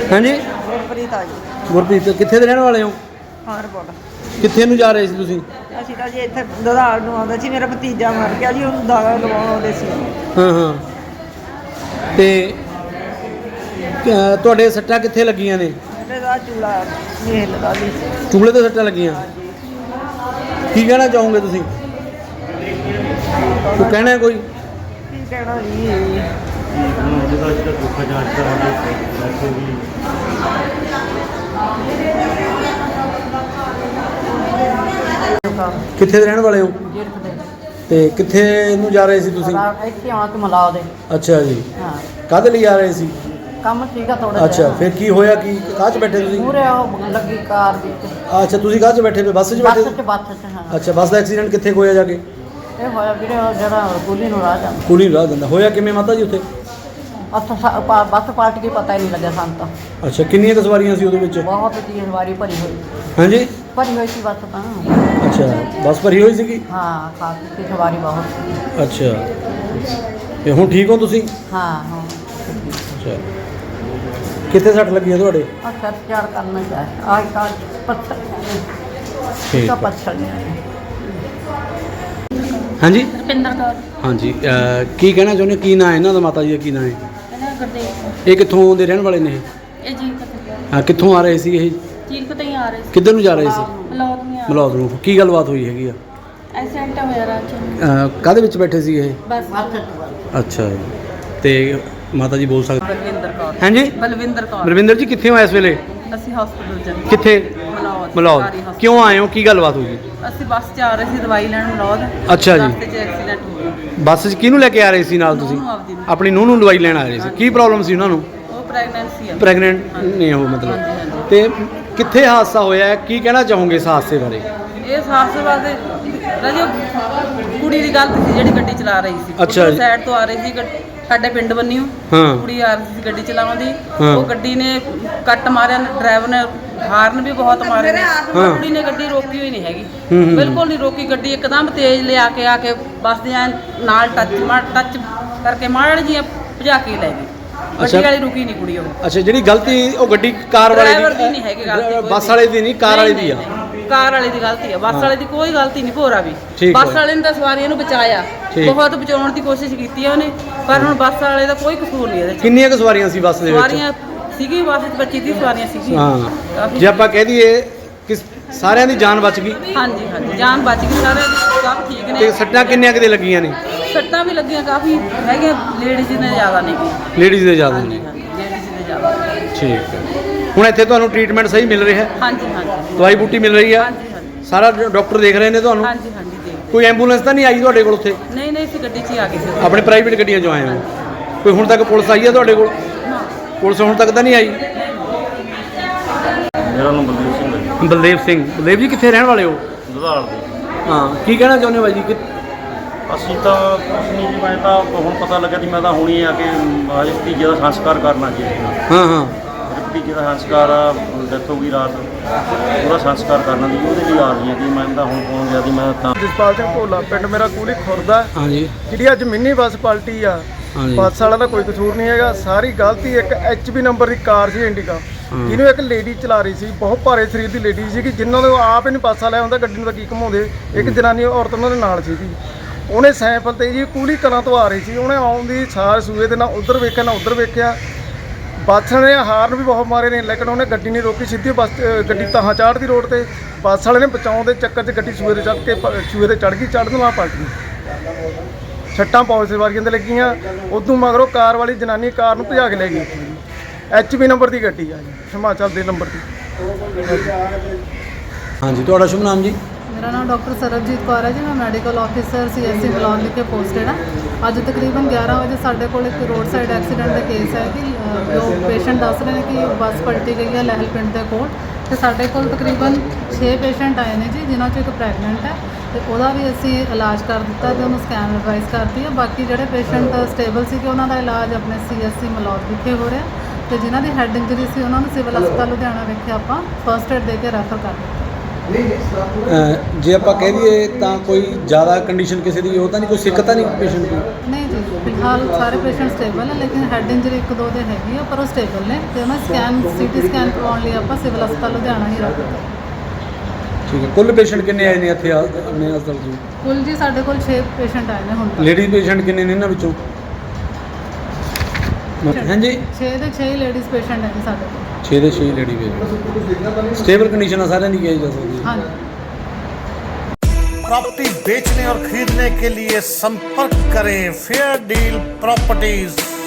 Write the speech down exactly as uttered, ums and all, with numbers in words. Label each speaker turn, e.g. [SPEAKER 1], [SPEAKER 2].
[SPEAKER 1] हाँ जी
[SPEAKER 2] ਗੁਰਪ੍ਰੀਤ ਆ ਜੀ।
[SPEAKER 1] गुरप्रीत कित्थे दे रहने वाले हो?
[SPEAKER 2] ਹਾਂ ਰਿਪੋਰਟ
[SPEAKER 1] कित्थे नूं जा रहे सी तुसीं?
[SPEAKER 2] ਅਸੀਂ ਤਾਂ ਜੀ ਇੱਥੇ ਦਦਾਲ ਨੂੰ ਆਉਂਦਾ ਸੀ, ਮੇਰਾ ਭਤੀਜਾ ਮਰ ਗਿਆ ਜੀ, ਉਹਨੂੰ ਦਾਗਾ ਲਵਾਉਣ ਆਉਂਦੇ ਸੀ।
[SPEAKER 1] हाँ हाँ ते ਅਹ ਤੁਹਾਡੇ ਸੱਟਾਂ ਕਿੱਥੇ ਲੱਗੀਆਂ ਨੇ?
[SPEAKER 2] ਮੇਰੇ ਦਾ ਚੂਲਾ ਮੇਲ ਦਾ ਜੀ।
[SPEAKER 1] ਚੂਲੇ ਤੇ ਸੱਟਾਂ ਲੱਗੀਆਂ। ਕੀ ਕਹਿਣਾ ਚਾਹੋਗੇ ਤੁਸੀਂ? ਕੋਈ ਕਹਿਣਾ ਹੈ ਕੋਈ?
[SPEAKER 2] ਕੀ ਕਹਿਣਾ ਜੀ,
[SPEAKER 3] ਉਹਦਾ ਜਿਹੜਾ ਦੁੱਖ ਜਾਂਚ ਕਰਾਂਗੇ ਵੈਸੇ ਵੀ
[SPEAKER 1] ਕਿੱਥੇ ਦੇ ਰਹਿਣ ਵਾਲੇ ਹੋ ਤੇ ਕਿੱਥੇ ਨੂੰ ਜਾ ਰਹੇ ਸੀ ਤੁਸੀਂ?
[SPEAKER 2] ਇੱਥੇ ਆ ਕੇ ਮਿਲਾ ਦੇ।
[SPEAKER 1] ਅੱਛਾ ਜੀ,
[SPEAKER 2] ਹਾਂ
[SPEAKER 1] ਕਾਹਦੇ ਲਈ ਆ ਰਹੇ ਸੀ?
[SPEAKER 2] ਕੰਮ ਠੀਕ ਆ ਥੋੜਾ
[SPEAKER 1] ਅੱਛਾ, ਫਿਰ ਕੀ ਹੋਇਆ? ਕੀ ਕਾਹ 'ਚ ਬੈਠੇ ਤੁਸੀਂ?
[SPEAKER 2] ਪੂਰੇ ਉਹ ਲੱਗੀ ਕਾਰ ਵਿੱਚ।
[SPEAKER 1] ਅੱਛਾ, ਤੁਸੀਂ ਕਾਹ 'ਚ ਬੈਠੇ ਪਏ? ਬੱਸ 'ਚ ਬੈਠੇ?
[SPEAKER 2] ਬੱਸ 'ਚ ਬੱਸ 'ਚ ਹਾਂ।
[SPEAKER 1] ਅੱਛਾ, ਬੱਸ ਦਾ ਐਕਸੀਡੈਂਟ ਕਿੱਥੇ ਹੋਇਆ ਜਾ ਕੇ?
[SPEAKER 2] ਇਹ ਹੋਇਆ ਵੀਰੇ ਉਹ ਜਿਹੜਾ ਕੁਲੀ ਨੂੰ ਰਾਹ ਜਾਂਦਾ।
[SPEAKER 1] ਕੁਲੀ ਰਾਹ ਦਿੰਦਾ ਹੋਇਆ ਕਿਵੇਂ ਮਾਤਾ ਜੀ ਉੱਥੇ?
[SPEAKER 2] ਅੱਛਾ ਸਾ- ਪਾ- ਬੱਸ ਪਾਰਟ ਕੇ ਪਤਾ ਹੀ ਨਹੀਂ ਲੱਗਿਆ ਸਾਨੂੰ ਤਾਂ।
[SPEAKER 1] ਅੱਛਾ, ਕਿੰਨੀਆਂ ਕੁ ਸਵਾਰੀਆਂ ਸੀ ਉਹਦੇ ਵਿੱਚ?
[SPEAKER 2] ਬਹੁਤ ਦੀ ਵਾਰੀ ਭਰੀ ਹੋਈ
[SPEAKER 1] ਹਾਂਜੀ,
[SPEAKER 2] ਭਰੀ ਹੋਈ ਸੀ ਬੱਸ ਤਾਂ।
[SPEAKER 1] ਅੱਛਾ, ਬੱਸ ਭਰੀ ਹੋਈ ਸੀਗੀ।
[SPEAKER 2] ਹਾਂ ਖਾਸ ਦੀ ਸਵਾਰੀ ਬਹੁਤ ਸੀ।
[SPEAKER 1] ਅੱਛਾ, ਤੇ ਹੁਣ ਠੀਕ ਹੋ ਤੁਸੀਂ?
[SPEAKER 2] ਹਾਂ ਹਾਂ
[SPEAKER 1] ਅੱਛਾ, ਕਿੱਥੇ ਸੱਟ ਲੱਗੀ ਹੈ ਤੁਹਾਡੇ?
[SPEAKER 2] ਆ ਸਰ ਚਾਰ ਕਰਨਾ ਚਾਹੀਦਾ ਆਜ ਕਾ ਪੱਥਰ
[SPEAKER 1] ਠੀਕ
[SPEAKER 2] ਦਾ
[SPEAKER 1] ਹੈ।
[SPEAKER 2] ਪੱਥਰ ਨਹੀਂ।
[SPEAKER 1] ਹਾਂਜੀ
[SPEAKER 4] ਰੁਪਿੰਦਰ ਕੌਰ।
[SPEAKER 1] ਹਾਂਜੀ, ਅਹ, ਕੀ ਕਹਿਣਾ ਚਾਹੁੰਦੇ? ਕੀ ਨਾਂ ਹੈ ਇਹਨਾਂ ਦਾ? ਮਾਤਾ ਜੀ ਦਾ ਕੀ ਨਾਂ ਹੈ?
[SPEAKER 4] ਇਹਨਾਂ ਗੁਰਦੇਵ
[SPEAKER 1] ਇਹ ਕਿੱਥੋਂ ਦੇ ਰਹਿਣ ਵਾਲੇ ਨੇ ਇਹ?
[SPEAKER 4] ਇਹ ਜੀ ਕਿਤੇ
[SPEAKER 1] ਹਾਂ, ਕਿੱਥੋਂ ਆ ਰਹੇ ਸੀ ਇਹ?
[SPEAKER 4] ਚੀਰ ਕਿਤੇ ਹੀ ਆ ਰਹੇ ਸੀ।
[SPEAKER 1] ਕਿੱਧਰ ਨੂੰ ਜਾ ਰਹੇ ਸੀ?
[SPEAKER 4] ਮਲੌਦ ਨਹੀਂ ਆ
[SPEAKER 1] ਮਲੌਦ ਨੂੰ। ਕੀ ਗੱਲਬਾਤ ਹੋਈ ਹੈਗੀ ਆ?
[SPEAKER 4] ਐਕਸੀਡੈਂਟ ਹੋਇਆ ਰਾਤ ਚ।
[SPEAKER 1] ਅਹ, ਕਾਹਦੇ ਵਿੱਚ ਬੈਠੇ ਸੀ ਇਹ?
[SPEAKER 4] ਬਸ
[SPEAKER 1] ਅੱਛਾ ਜੀ, ਤੇ ਮਾਤਾ ਜੀ ਬੋਲ ਸਕਦੇ?
[SPEAKER 2] ਬਲਵਿੰਦਰ ਕੌਰ।
[SPEAKER 1] ਹਾਂਜੀ,
[SPEAKER 2] ਬਲਵਿੰਦਰ ਕੌਰ।
[SPEAKER 1] ਬਲਵਿੰਦਰ ਜੀ ਕਿੱਥੇ ਹੋ ਇਸ ਵੇਲੇ?
[SPEAKER 2] ਅਸੀਂ ਹਸਪੀਟਲ ਚ
[SPEAKER 1] ਕਿੱਥੇ?
[SPEAKER 2] ਮਲੌਦ
[SPEAKER 1] ਮਲੌਦ।
[SPEAKER 2] ਸਰਕਾਰੀ hospital।
[SPEAKER 1] ਕਿਉਂ ਆਏ ਹੋ? ਕੀ ਗੱਲਬਾਤ ਹੋਈ?
[SPEAKER 2] ਅਸੀਂ ਬੱਸ 'ਚ ਆ ਰਹੇ ਸੀ ਦਵਾਈ ਲੈਣ ਮਲੌਦ।
[SPEAKER 1] ਅੱਛਾ ਜੀ।
[SPEAKER 2] ਰਸਤੇ 'ਚ ਐਕਸੀਡੈਂਟ ਹੋ ਗਿਆ।
[SPEAKER 1] ਬੱਸ 'ਚ ਕਿਹਨੂੰ ਲੈ ਕੇ ਆ ਰਹੇ ਸੀ ਨਾਲ ਤੁਸੀਂ?
[SPEAKER 2] ਨੂੰਹ ਨੂੰ ਆਪਦੀ ਨੂੰ।
[SPEAKER 1] ਆਪਣੀ ਨੂੰਹ ਨੂੰ ਦਵਾਈ ਲੈਣ ਆ ਰਹੇ ਸੀ। ਕੀ ਪ੍ਰੋਬਲਮ ਸੀ ਉਹਨਾਂ ਨੂੰ?
[SPEAKER 2] ਉਹ ਪ੍ਰੈਗਨੈਂਸੀ ਆ।
[SPEAKER 1] ਪ੍ਰੈਗਨੈਂਟ ਨੇ ਉਹ ਮਤਲਬ?
[SPEAKER 2] ਹਾਂਜੀ, ਹਾਂਜੀ।
[SPEAKER 1] ਤੇ ਕਿੱਥੇ ਹਾਦਸਾ ਹੋਇਆ ਹੈ? ਕੀ ਕਹਿਣਾ ਚਾਹੋਗੇ ਇਸ ਹਾਦਸੇ ਬਾਰੇ?
[SPEAKER 2] ਇਹ ਸਾਹਸੇ ਵਾਸਤੇ ਰਾਜੋ ਕੁੜੀ ਦੀ ਗਲਤੀ ਸੀ ਜਿਹੜੀ ਗੱਡੀ ਚਲਾ ਰਹੀ ਸੀ।
[SPEAKER 1] ਅੱਛਾ ਜੀ।
[SPEAKER 2] ਸਾਈਡ ਤੋਂ ਆ ਰਹੀ ਸੀ ਗੱਡੀ, ਸਾਡੇ ਪਿੰਡ ਬੰਨਿਓ।
[SPEAKER 1] ਹਾਂ।
[SPEAKER 2] ਕੁੜੀ ਆ ਰਹੀ ਸੀ ਗੱਡੀ ਚਲਾਉਂਦੀ।
[SPEAKER 1] ਹਾਂ।
[SPEAKER 2] ਉਹ ਗੱਡੀ ਨੇ ਕੱਟ ਮਾਰਿਆ, ਡਰਾਈਵਰ ਨੇ ਹਾਰਨ ਵੀ ਬਹੁਤ ਮਾਰੇ ਨੇ।
[SPEAKER 1] ਹਾਂ।
[SPEAKER 2] ਕੁੜੀ ਨੇ ਗੱਡੀ ਰੋਕੀ ਹੋਈ ਨਹੀਂ ਹੈਗੀ,
[SPEAKER 1] ਹੂੰ, ਹੂੰ।
[SPEAKER 2] ਬਿਲਕੁਲ ਨਹੀਂ ਰੋਕੀ ਗੱਡੀ। ਇੱਕਦਮ ਤੇਜ਼ ਲਿਆ ਕੇ ਆ ਕੇ ਬੱਸ ਦੇ ਐਨ ਨਾਲ ਟੱਚ ਮਾਰ ਟੱਚ ਕਰਕੇ ਮਾਰ ਜੀ ਭਜਾ ਕੇ ਲੈ ਗਈ।
[SPEAKER 1] ਅੱਛਾ।
[SPEAKER 2] ਗੱਡੀ ਵਾਲੀ ਰੁਕੀ ਨਹੀਂ ਕੁੜੀ ਉਹ।
[SPEAKER 1] ਅੱਛਾ, ਜਿਹੜੀ ਗਲਤੀ ਉਹ ਗੱਡੀ ਕਾਰ ਵਾਲੇ
[SPEAKER 2] ਡਰਾਈਵਰ ਦੀ ਨਹੀਂ ਹੈਗੀ ਗਲਤੀ ਕੋਈ
[SPEAKER 1] ਬੱਸ
[SPEAKER 2] ਵੀ।
[SPEAKER 1] ਵਾਲੇ ਦੀ ਨਹੀਂ, ਕਾਰ ਵਾਲੇ ਦੀ ਆ।
[SPEAKER 2] ਨਹੀਂ, ਨਹੀਂ, ਕਾਰ ਵਾਲੇ ਦੀ ਗਲਤੀ ਆ। ਬੱਸ
[SPEAKER 1] ਹਾਂ।
[SPEAKER 2] ਵਾਲੇ ਦੀ ਕੋਈ ਗਲਤੀ ਨਹੀਂ ਭੋਰਾ ਵੀ।
[SPEAKER 1] ਠੀਕ
[SPEAKER 2] ਬੱਸ
[SPEAKER 1] ਹੈ।
[SPEAKER 2] ਵਾਲੇ ਨੇ ਤਾਂ ਸਵਾਰੀਆਂ ਨੂੰ ਬਚਾਇਆ,
[SPEAKER 1] ਠੀਕ।
[SPEAKER 2] ਬਹੁਤ ਬਚਾਉਣ ਦੀ ਕੋਸ਼ਿਸ਼ ਕੀਤੀ ਹੈ ਉਹਨੇ, ਪਰ ਹੁਣ ਬੱਸ ਵਾਲੇ ਦਾ ਕੋਈ ਕਸੂਰ ਨਹੀਂ ਇਹਦੇ 'ਚ।
[SPEAKER 1] ਕਿੰਨੀਆਂ ਕੁ ਸਵਾਰੀਆਂ ਸੀ ਬੱਸ ਦੇ ਵਿੱਚ?
[SPEAKER 2] ਸਵਾਰੀਆਂ ਸੀਗੀ ਬੱਸ 'ਚ ਪੱਚੀ ਤੀਹ ਸਵਾਰੀਆਂ ਸੀਗੀਆਂ।
[SPEAKER 1] ਹਾਂ,
[SPEAKER 2] ਕਾਫੀ-
[SPEAKER 1] ਜੇ ਆਪਾਂ ਕਹਿ ਦਈਏ ਕਿ ਸਾਰਿਆਂ ਦੀ ਜਾਨ ਬਚ ਗਈ
[SPEAKER 2] ਹਾਂਜੀ ਹਾਂਜੀ, ਜਾਨ ਬਚ ਗਈ ਸਾਰਿਆਂ ਦੀ, ਸਭ ਠੀਕ
[SPEAKER 1] ਤੇ
[SPEAKER 2] ਨੇ।
[SPEAKER 1] ਸੱਟਾਂ ਕਿੰਨੀਆਂ ਕਿਤੇ ਲੱਗੀਆਂ ਨੇ?
[SPEAKER 2] ਸੱਟਾਂ ਵੀ ਲੱਗੀਆਂ ਕਾਫੀ ਹੈਗੀਆਂ, ਲੇਡੀਜ਼ ਨੇ ਜ਼ਿਆਦਾ ਨਹੀਂ ਗੀ।
[SPEAKER 1] ਲੇਡੀਜ਼ ਦੇ ਜ਼ਿਆਦਾ ਨੇ।
[SPEAKER 2] ਹਾਂਜੀ ਹਾਂਜੀ, ਲੇਡੀਜ਼ ਨੇ ਜ਼ਿਆਦਾ।
[SPEAKER 1] ਠੀਕ ਹੈ। ਹੁਣ ਇੱਥੇ ਤੁਹਾਨੂੰ ਟ੍ਰੀਟਮੈਂਟ ਸਹੀ ਮਿਲ ਰਿਹਾ ਹੈ?
[SPEAKER 2] ਹਾਂਜੀ ਹਾਂਜੀ
[SPEAKER 1] ਦਵਾਈ ਬੂਟੀ ਮਿਲ ਰਹੀ ਆ?
[SPEAKER 2] ਹਾਂਜੀ ਹਾਂਜੀ
[SPEAKER 1] ਸਾਰਾ ਡਾਕਟਰ ਦੇਖ ਰਹੇ ਨੇ ਤੁਹਾਨੂੰ?
[SPEAKER 2] ਹਾਂਜੀ ਹਾਂਜੀ ਦੇਖ।
[SPEAKER 1] ਕੋਈ ਐਂਬੂਲੈਂਸ ਤਾਂ ਨਹੀਂ ਆਈ ਤੁਹਾਡੇ ਕੋਲ ਉੱਥੇ?
[SPEAKER 2] ਨਹੀਂ ਨਹੀਂ, ਅਸੀਂ ਗੱਡੀ 'ਚ ਹੀ ਆ ਗਏ ਸੀ।
[SPEAKER 1] ਆਪਣੇ ਪ੍ਰਾਈਵੇਟ ਗੱਡੀਆਂ 'ਚੋਂ ਆਏ ਹੋ? ਕੋਈ ਹੁਣ ਤੱਕ ਪੁਲਿਸ ਆਈ ਹੈ ਤੁਹਾਡੇ ਕੋਲ?
[SPEAKER 2] ਹਾਂ।
[SPEAKER 1] ਪੁਲਿਸ ਹੁਣ ਤੱਕ ਤਾਂ ਨਹੀਂ ਆਈ?
[SPEAKER 3] ਮੇਰਾ ਨਾਮ ਬਲਦੇਵ ਸਿੰਘ ਹੈ ਜੀ,
[SPEAKER 1] ਬਲਦੇਵ ਸਿੰਘ। ਬਲਦੇਵ ਜੀ ਕਿੱਥੇ ਰਹਿਣ ਵਾਲੇ ਹੋ?
[SPEAKER 3] ਦੁਧਾਲ ਦੇ।
[SPEAKER 1] ਹਾਂ, ਕੀ ਕਹਿਣਾ ਚਾਹੁੰਦੇ ਹੋ ਬਾਈ ਜੀ? ਕਿ
[SPEAKER 3] ਅਸੀਂ ਤਾਂ ਕੁਛ ਨਹੀਂ ਜੀ, ਮੈਂ ਤਾਂ ਹੁਣ ਪਤਾ ਲੱਗਿਆ ਸੀ, ਮੈਂ ਤਾਂ ਹੁਣੀ ਆ ਕੇ ਅਜੇ ਭਤੀਜੇ ਦਾ ਸੰਸਕਾਰ ਕਰਨਾ ਜੀ।
[SPEAKER 1] ਹਾਂ ਹਾਂ,
[SPEAKER 3] ਮੇਰੇ ਭਤੀਜੇ ਦਾ ਸੰਸਕਾਰ ਆ, ਡੈਥ ਹੋ ਗਈ ਰਾਤ, ਉਹਦਾ ਸੰਸਕਾਰ ਕਰਨਾ ਦੀ ਉਹਦੇ ਲਈ ਆ ਰਹੀ ਹੈ ਜੀ। ਮੈਂ ਤਾਂ ਹੁਣ ਪਹੁੰਚ ਗਿਆ ਸੀ, ਮੈਂ ਤਾਂ
[SPEAKER 5] ਜਸਪਾਲ ਸਿੰਘ ਭੋਲਾ, ਪਿੰਡ ਮੇਰਾ ਕੂਲੀ ਖੁਰਦਾ।
[SPEAKER 1] ਹਾਂਜੀ
[SPEAKER 5] ਜਿਹੜੀ ਅੱਜ ਮਿੰਨੀ ਬੱਸ ਪਲਟੀ ਆ,
[SPEAKER 1] ਹਾਂਜੀ।
[SPEAKER 5] ਬੱਸ ਵਾਲਾ ਦਾ ਕੋਈ ਕਸੂਰ ਨਹੀਂ ਹੈਗਾ, ਸਾਰੀ ਗਲਤੀ ਇੱਕ ਐਚ ਪੀ ਨੰਬਰ ਦੀ ਕਾਰ ਸੀ ਇੰਡੀਕਾ,
[SPEAKER 1] ਹਾਂ।
[SPEAKER 5] ਜਿਹਨੂੰ ਇੱਕ ਲੇਡੀ ਚਲਾ ਰਹੀ ਸੀ, ਬਹੁਤ ਭਾਰੇ ਸਰੀਰ ਦੀ ਲੇਡੀ ਸੀ, ਜਿਨ੍ਹਾਂ ਨੂੰ ਆਪ ਹੀ ਨਹੀਂ ਬੱਸ ਵਾਲਿਆ ਹੁੰਦਾ, ਗੱਡੀ ਨੂੰ ਤਾਂ ਕੀ ਘਮਾਉਂਦੇ। ਇੱਕ ਜਨਾਨੀ ਔਰਤ ਉਹਨਾਂ ਦੇ ਨਾਲ ਸੀਗੀ, ਉਹਨੇ ਸਾਈਕਲ ਤੇ ਜੀ ਕੂਲੀ ਕਲਾਂ ਤੋਂ ਆ ਰਹੀ ਸੀ, ਉਹਨੇ ਆਉਣ ਦੀ ਸਾਰ ਸੂਏ ਦੇ ਨਾਲ ਉੱਧਰ ਵੇਖਿਆ ਨਾ ਉੱਧਰ ਵੇਖਿਆ। ਬੱਸ ਨੇ ਹਾਰਨ ਵੀ ਬਹੁਤ ਮਾਰੇ ਨੇ, ਲੇਕਿਨ ਉਹਨੇ ਗੱਡੀ ਨਹੀਂ ਰੋਕੀ, ਸਿੱਧੀ ਬੱਸ ਗੱਡੀ ਤਾਹਾਂ ਚਾੜ੍ਹਦੀ ਰੋਡ ਤੇ। ਬੱਸ ਵਾਲੇ ਨੇ ਬਚਾਉਣ ਦੇ ਚੱਕਰ 'ਚ ਗੱਡੀ ਸੂਏ ਤੇ ਚੜ੍ਹ ਕੇ ਸੂਏ ਤੇ ਚੜ੍ਹ ਗਈ, ਚੜ੍ਹਨ ਨਾਲ ਪਲਟ ਗਈ। ਛੱਟਾਂ ਬਹੁਤ ਸਵਾਰੀਆਂ ਦੇ ਲੱਗੀਆਂ। ਉਦੋਂ ਮਗਰੋਂ ਕਾਰ ਵਾਲੀ ਜਨਾਨੀ ਕਾਰ ਨੂੰ ਭਜਾ ਕੇ ਲੈ ਗਈ। ਐਚ ਪੀ ਨੰਬਰ ਦੀ ਗੱਡੀ ਆ ਜੀ, ਹਿਮਾਚਲ ਦੇ ਨੰਬਰ ਦੀ।
[SPEAKER 1] ਹਾਂਜੀ, ਤੁਹਾਡਾ ਸ਼ੁਭ ਨਾਮ ਜੀ?
[SPEAKER 6] ਮੇਰਾ ਨਾਮ ਡਾਕਟਰ ਸਰਬਜੀਤ ਕੌਰ ਹੈ ਜੀ, ਮੈਂ medical officer C S C Malaud ਵਿਖੇ ਪੋਸਟਡ ਹਾਂ। ਅੱਜ ਤਕਰੀਬਨ ਗਿਆਰਾਂ ਵਜੇ ਸਾਡੇ ਕੋਲ ਇੱਕ ਰੋਡ ਸਾਈਡ ਐਕਸੀਡੈਂਟ ਦਾ ਕੇਸ ਹੈ ਕਿ ਅ, ਜੋ ਪੇਸ਼ੈਂਟ ਦੱਸ ਰਹੇ ਨੇ ਕਿ ਬੱਸ ਪਲਟੀ ਗਈ ਹੈ ਲਹਿਲ ਪਿੰਡ ਦੇ ਕੋਲ, ਤੇ ਸਾਡੇ ਕੋਲ ਤਕਰੀਬਨ ਛੇ ਪੇਸ਼ੈਂਟ ਆਏ ਨੇ ਜੀ, ਜਿਨ੍ਹਾਂ 'ਚੋਂ ਇੱਕ ਪ੍ਰੈਗਨੈਂਟ ਹੈ, ਤੇ ਉਹਦਾ ਵੀ ਅਸੀਂ ਇਲਾਜ ਕਰ ਦਿੱਤਾ ਤੇ ਉਹਨੂੰ ਸਕੈਨ ਐਡਵਾਈਸ ਕਰਤੀ ਹੈ। ਬਾਕੀ ਜਿਹੜੇ ਪੇਸ਼ੈਂਟ ਸਟੇਬਲ ਸੀ ਕਿ ਉਹਨਾਂ ਦਾ ਇਲਾਜ ਆਪਣੇ ਸੀ ਐਸ ਸੀ ਮਲੌਦ ਵਿਖੇ ਹੋ ਰਿਹਾ, ਤੇ ਜਿਨ੍ਹਾਂ ਦੀ ਹੈਡ ਇੰਜਰੀ ਸੀ ਉਹਨਾਂ ਨੂੰ ਸਿਵਲ ਹਸਪਤਾਲ ਲੁਧਿਆਣਾ ਵਿਖੇ ਆਪਾਂ ਫਸਟ ਏਡ ਦੇ ਕੇ ਰੈਫਰ ਕਰ ਦਿੱਤਾ।
[SPEAKER 1] ਅਹ ਜੇ ਆਪਾਂ ਕਹਿ ਦਈਏ ਤਾਂ ਕੋਈ ਜ਼ਿਆਦਾ ਕੰਡੀਸ਼ਨ ਕਿਸੇ ਦੀ ਉਹ ਤਾਂ ਨਹੀਂ, ਕੋਈ ਸਿੱਕ ਤਾਂ ਨਹੀਂ ਪੇਸ਼ੈਂਟ ਦੀ?
[SPEAKER 6] ਨਹੀਂ ਜੀ, ਫਿਲਹਾਲ ਸਾਰੇ ਪੇਸ਼ੈਂਟ ਸਟੇਬਲ ਹੈ, ਲੇਕਿਨ ਹੈਡ ਇੰਜਰੀ ਇੱਕ ਦੋ ਦੇ ਹੈਗੀ ਆ, ਪਰ ਉਹ ਸਟੇਬਲ ਨੇ ਤੇ ਉਹਨਾਂ ਸਕੈਨ ਸੀਟੀ ਸਕੈਨ ਕਰਵਾਉਣ ਲਈ ਆਪਾਂ ਸਿਵਲ ਹਸਪਤਾਲ ਲੁਧਿਆਣਾ ਹੀ ਰੱਖਦੇ ਹਾਂ।
[SPEAKER 1] ਠੀਕ ਹੈ। ਕੁੱਲ ਪੇਸ਼ੈਂਟ ਕਿੰਨੇ ਆਏ ਨੇ ਇੱਥੇ ਆ- ਆਪਣੇ ਹਸਪਤਾਲ 'ਚ?
[SPEAKER 6] ਕੁੱਲ ਜੀ ਸਾਡੇ ਕੋਲ ਛੇ ਪੇਸ਼ੈਂਟ ਆਏ ਨੇ ਹੁਣ ਤੱਕ।
[SPEAKER 1] ਲੇਡੀਜ਼ ਪੇਸ਼ੈਂਟ ਕਿੰਨੇ ਨੇ ਇਹਨਾਂ ਵਿੱਚੋਂ? ਹਾਂਜੀ,
[SPEAKER 6] ਛੇ ਦੇ ਛੇ ਹੀ ਲੇਡੀਜ਼ ਪੇਸ਼ੈਂਟ ਹੈ ਜੀ ਸਾਡੇ ਕੋਲ।
[SPEAKER 1] ਛੇ ਦੇ ਛੇ ਲੇਡੀ ਪੇਸ਼ੈਂਟ। ਸਟੇਬਲ ਕੰਡੀਸ਼ਨ ਆ ਸਾਰਿਆਂ ਦੀ ਕਿਹਾ ਜਾ ਸਕਦੀ ਹੈ।
[SPEAKER 6] ਹਾਂਜੀ।
[SPEAKER 7] प्रॉपर्टी बेचने और खरीदने के लिए संपर्क करें फेयर डील प्रॉपर्टीज।